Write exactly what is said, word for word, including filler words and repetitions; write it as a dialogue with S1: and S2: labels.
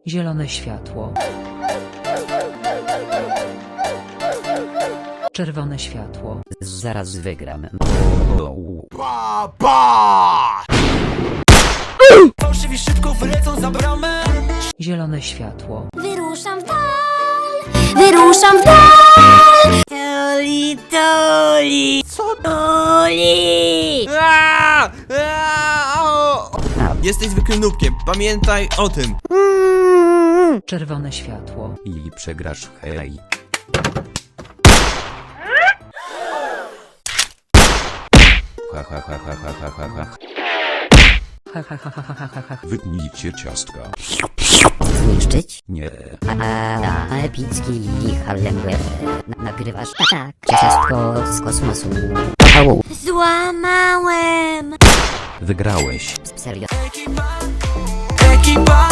S1: Zielone światło. Czerwone światło.
S2: Zaraz wygram.
S3: Pa, pa!
S4: Fałszywi szybko wylecą za bramę.
S1: Zielone światło.
S5: Wyruszam w dal, wyruszam w dal. Toli, toli,
S3: Co?
S5: toli.
S4: Aaaa! Aaaa! O! Jesteś zwykłym nubkiem, pamiętaj o tym.
S1: Czerwone światło.
S2: I przegrasz, hej. Ha ha ha ha ha ha ha ha.
S1: Ha ha ha ha ha ha ha.
S6: Wytnijcie ciastka.
S2: Zniszczyć?
S6: Nie.
S2: A, a epicki Harlem Na, nagrywasz? Tak. Ciastko z kosmosu. Au.
S5: Złamałem.
S6: Wygrałeś.
S2: Serio.
S4: Ekipa, ekipa.